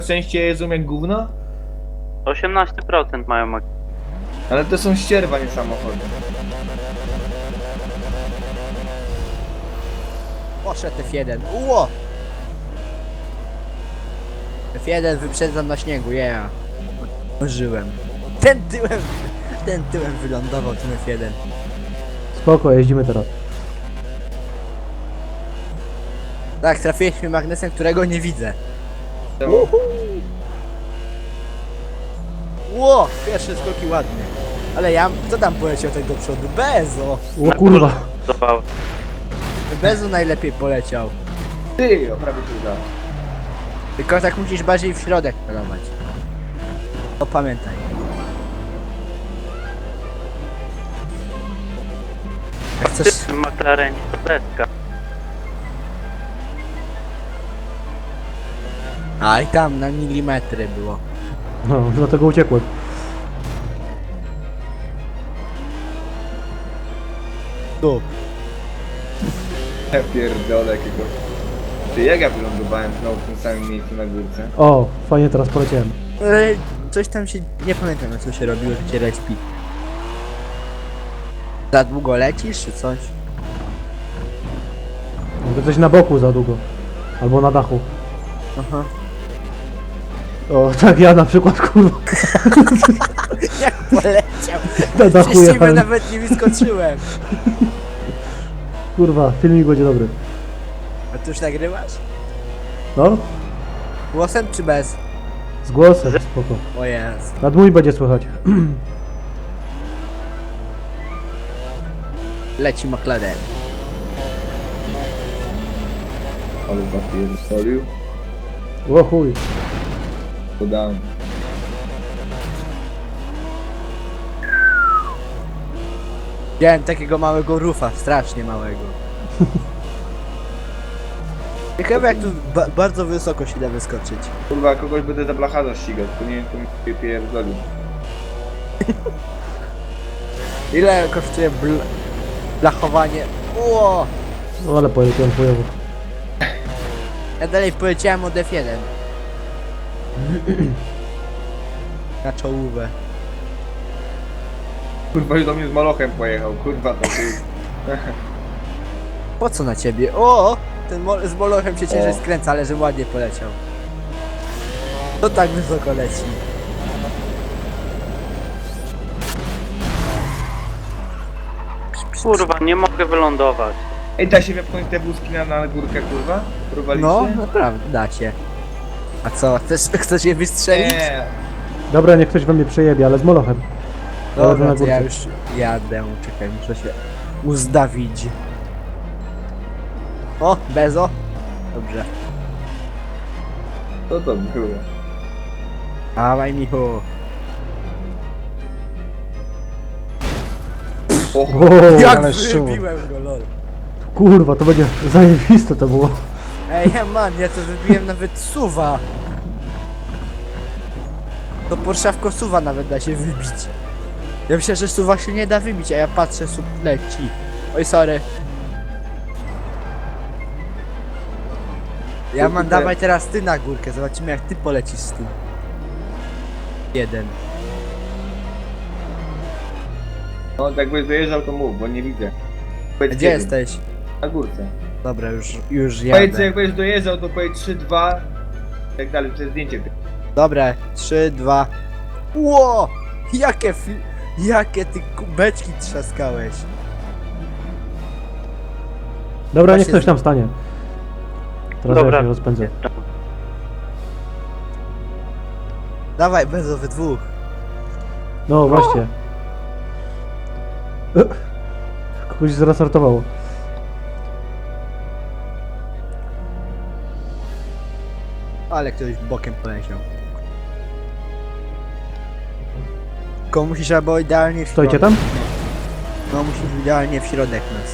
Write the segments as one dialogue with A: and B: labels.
A: Częściej jedzą jak gówno?
B: 18% mają mak.
A: Ale to są ścierwa, nie samochody.
C: Poszedł F1. Uło! F1 wyprzedzam na śniegu, yeah. Żyłem. Ten tyłem wylądował tym F1.
D: Spoko, jeździmy teraz.
C: Tak, trafiłeś mnie magnesem, którego nie widzę.
A: Czemu?
C: Ło! Pierwsze skoki ładnie. Ale ja, kto tam poleciał tak do przodu? Bezo!
D: O kurwa.
B: Zobaczył.
C: Bezo najlepiej poleciał.
A: Ty, o prawie się udało.
C: Tylko tak musisz bardziej w środek pelować. To pamiętaj. Jak chcesz...
B: W tym McLarenie to deska.
C: A i tam na milimetry było.
D: No, dlatego uciekłem.
C: Tu.
A: Ja pierdolę jakiego. Ty, jak ja wylądowałem znowu w tym samym miejscu na górce?
D: O, fajnie teraz poleciałem.
C: Coś tam się... Nie pamiętam co się robiło, że cię respi. Za długo lecisz czy coś?
D: Może coś na boku za długo. Albo na dachu.
C: Aha.
D: O, tak ja na przykład, kurwa.
C: Jak poleciał?
D: Na dachu
C: Przecież ciebie
D: jechałem.
C: nawet nie wyskoczyłem.
D: Kurwa, filmik będzie dobry.
C: A ty już nagrywasz?
D: No,
C: Głosem czy bez?
D: z głosem, spoko.
C: O jest.
D: Nad mój będzie słychać.
C: Leci McLaren.
A: Ale zapierdolił.
D: O chuj.
A: Podałem.
C: Widziałem takiego małego rufa, strasznie małego. Ciekawe jak tu bardzo wysoko się da wyskoczyć.
A: Kurwa, kogoś będę za blacharza ścigać, to nie wiem, kto mi się pierdolił.
C: Ile kosztuje blachowanie? Ło!
D: No ale poleciałem chujowo.
C: Ja dalej poleciałem od F1. Na czołówę.
A: Kurwa, już do mnie z malochem pojechał, kurwa, to ty.
C: Po co na ciebie? O! Ten z molochem się ciężej
A: O.
C: skręca, ale że ładnie poleciał. To tak wysoko leci.
B: Kurwa, nie mogę wylądować.
A: Ej, da się wepchnąć te wózki na górkę, kurwa? Próbowaliście?
C: No, naprawdę, da się. A co, chcesz je wystrzelić?
A: Nie.
D: Dobra, niech ktoś we mnie przejebie, ale z molochem. Ale
C: Dobra,
D: na
C: to ja
D: górce.
C: już jadę, czekaj, muszę się uzdawić. O, Bezo. Dobrze.
A: Co to było?
C: Dawaj, Michu.
A: O,
D: O,
C: Jak
D: ale szyło.
C: wybiłem go, lol.
D: Kurwa, to będzie zajebiste to było.
C: Ej, man, ja to wybiłem nawet suwa. To Porszawko suwa nawet da się wybić. Ja myślę, że suwa się nie da wybić, a ja patrzę, sub leci. Oj, sorry. Ja mam
A: Kurde.
C: dawaj teraz ty na górkę, zobaczymy jak ty polecisz z tym. Jeden.
A: no jakbyś dojeżdżał, to mów, bo nie widzę. Powiedz
C: Gdzie
A: kiedy.
C: jesteś?
A: Na górce.
C: Dobra, już
A: Powiedz,
C: jadę.
A: jak będziesz dojeżdżał, to powiedz 3, 2, tak dalej, to jest zdjęcie.
C: Dobra, 3, 2. Ło! Jakie ty kubeczki trzaskałeś.
D: Dobra, niech
C: Właśnie
D: ktoś tam stanie. Teraz ja
B: Dobra.
D: się rozpędzę.
C: Dawaj, Bezo, we dwóch.
D: No właśnie. Kogoś zrestartowało.
C: Ale ktoś bokiem poleciał. Tylko musisz albo idealnie w środek.
D: Stoicie tam?
C: No musisz idealnie w środek nas.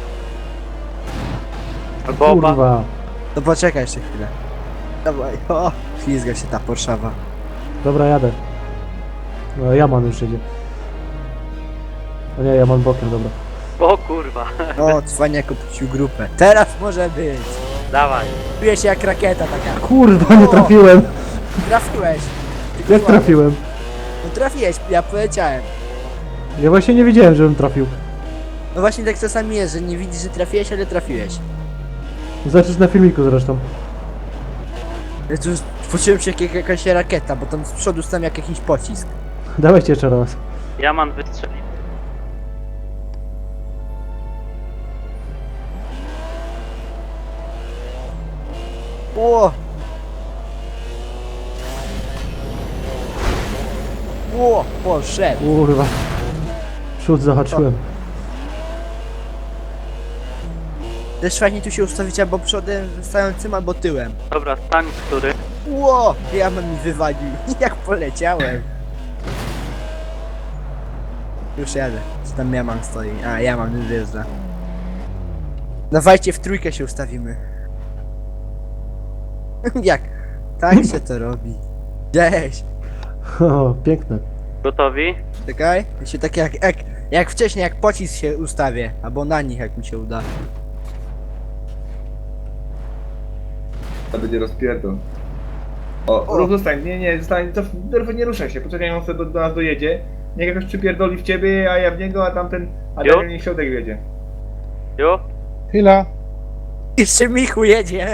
B: Albo oba.
D: Kurwa.
C: To poczekaj jeszcze chwilę. Dawaj, o! Ślizga się ta Porszawa.
D: Dobra, jadę. No, Jaman już jedzie. O nie, Jaman bokiem, dobra.
B: O kurwa.
C: O, cwaniak opuścił grupę. Teraz może być.
B: Dawaj.
C: Czuję się jak rakieta taka.
D: Kurwa, nie trafiłem.
C: Trafiłeś.
D: Jak trafiłem?
C: No trafiłeś, ja poleciałem.
D: Ja właśnie nie wiedziałem, żebym trafił.
C: No właśnie tak czasami jest, że nie widzisz, że trafiłeś, ale trafiłeś.
D: Zobaczysz na filmiku zresztą.
C: Ja tu poczułem się jak jakaś rakieta, bo tam z przodu stał jak jakiś pocisk.
D: Dawajcie jeszcze raz.
B: Jaman wystrzelił.
C: Ło! Ło! Poszedł!
D: Kurwa. Przód zahaczyłem.
C: Też fajnie tu się ustawić albo przodem stającym, albo tyłem.
B: Dobra, stań, który?
C: Ło! Ja mi wywalił. Jak poleciałem. Już jadę. Co tam Jaman stoi? A, Jaman już wjeżdża. Dawajcie, w trójkę się ustawimy. Jak? Tak się to robi. Gdzieś.
D: O, piękne.
B: Gotowi?
C: Czekaj. Ja się tak jak wcześniej, jak pocisk się ustawię. Albo na nich, jak mi się uda.
A: To będzie rozpierdol. O,
C: O.
A: rób zostań, nie, zostań, nie ruszaj się, poczekaj, on sobie do nas dojedzie. Niech jakoś przypierdoli w ciebie, a ja w niego, a tamten, a
B: Jo.
A: Daniel niech środek wiedzie.
B: Jo?
E: Chwila.
C: Jeszcze Michu jedzie.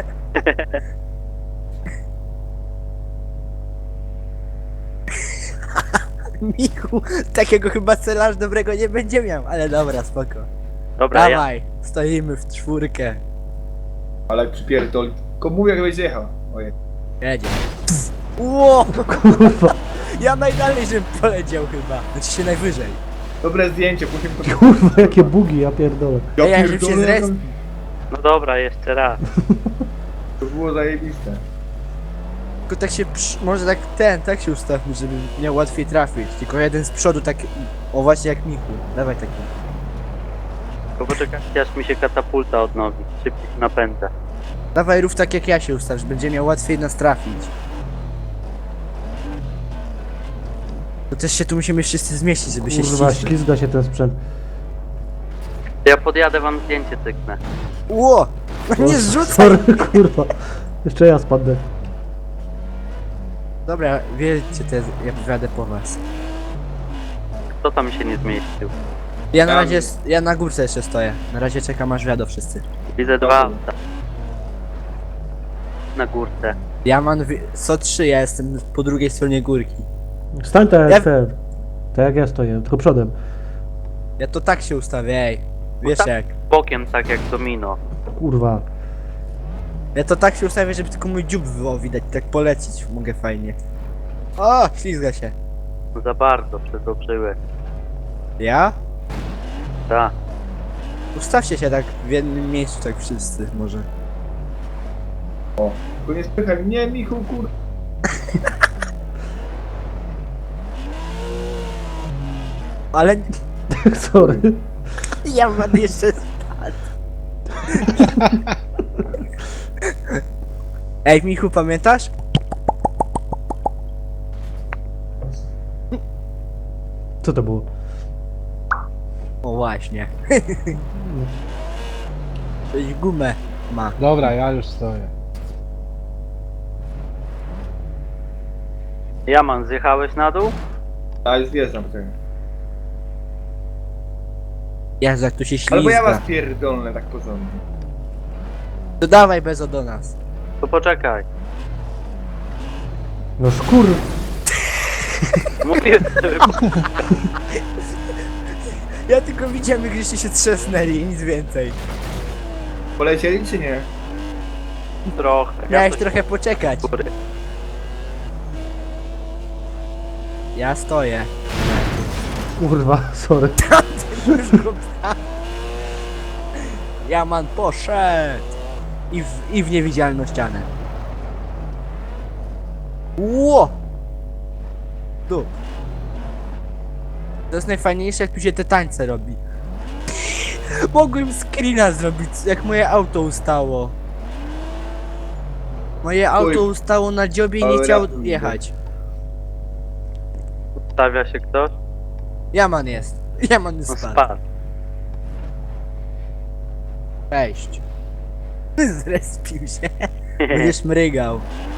C: Michu, takiego chyba celarz dobrego nie będzie miał, ale dobra, spoko.
B: Dobra, ja.
C: Dawaj, stoimy w czwórkę.
A: Ale jak przypierdoli, tylko mów jak będzie jechał. Ojej.
C: Jedzie. Ło!
D: Kurwa.
C: Ja najdalej, żebym poleciał chyba. Znaczy się najwyżej.
A: Dobre zdjęcie, musimy to...
D: Kurwa, jakie bugi, ja pierdolę.
C: Ej, ja żebym się zrespił.
B: No dobra, jeszcze raz.
A: To było zajebiste.
C: Tylko tak się, może tak się ustawmy, żeby miał łatwiej trafić. Tylko jeden z przodu tak, o właśnie jak Michu. Dawaj taki.
B: Tylko poczekajcie, aż mi się katapulta odnowi. Szybciej się napędza.
C: Dawaj rów tak jak ja się ustaw, że będzie miał łatwiej nas trafić. To też się tu musimy wszyscy zmieścić, żeby się
D: Kurwa,
C: ścisnąć.
D: ślizga się ten sprzęt.
B: Ja podjadę wam zdjęcie cyknę.
C: Ło! No nie
D: O,
C: zrzucaj!
D: Sorry, kurwa. Jeszcze ja spadnę.
C: Dobra, wiecie, ja pojadę po was.
B: Kto tam się nie zmieścił?
C: Ja na
A: Tam.
C: razie, ja na górce jeszcze stoję. Na razie czekam aż wjadą wszyscy.
B: Widzę dwa auta. Na górce.
C: Ja mam co 3, ja jestem po drugiej stronie górki.
D: Stań tak
C: Ja-
D: jak ten. Tak jak ja stoję, tylko przodem.
C: Ja to tak się ustawię, ej. Wiesz
B: tak.
C: jak.
B: Bokiem tak jak domino.
D: Kurwa.
C: Ja to tak się ustawię, żeby tylko mój dziób było widać, tak polecić mogę fajnie. O, ślizga się.
B: No za bardzo przedobrzyły.
C: Ja?
B: Tak.
C: Ustawcie się tak w jednym miejscu, tak wszyscy może.
A: O, tylko nie spychaj mnie, Michu, kur...
C: Ale
D: Sorry.
C: ja mam jeszcze spadł. Ej, Michu, pamiętasz?
D: Co to było?
C: O właśnie. Coś gumę ma.
E: Dobra, ja już stoję.
B: Jaman, zjechałeś na dół?
A: A już wjeżdżam tutaj.
C: Jezu, jak tu się
A: Albo ja
C: ślizga.
A: was pierdolnę tak porządnie.
C: To dawaj Bezo do nas.
B: To poczekaj.
D: No szkur.
B: Mówię, żeby...
C: Ja tylko widziałem, jak żeście się trzesnęli i nic więcej.
A: Polecieli czy nie?
B: trochę.
C: Miałeś
B: coś
C: trochę poczekać.
B: góry.
C: Ja stoję.
D: Kurwa, sorry.
C: Jaman poszedł. I w niewidzialną ścianę. Ło! Tu. To jest najfajniejsze, jak tu się te tańce robi. Mogłem screena zrobić, jak moje auto ustało. Moje auto ustało na dziobie i nie
A: Ale
C: chciało
A: ratuj,
C: jechać.
B: Stawia się ktoś?
C: Jaman jest. Jaman
B: No
C: spadł.
B: spadł.
C: Cześć. Zrespił się. Będziesz mrygał.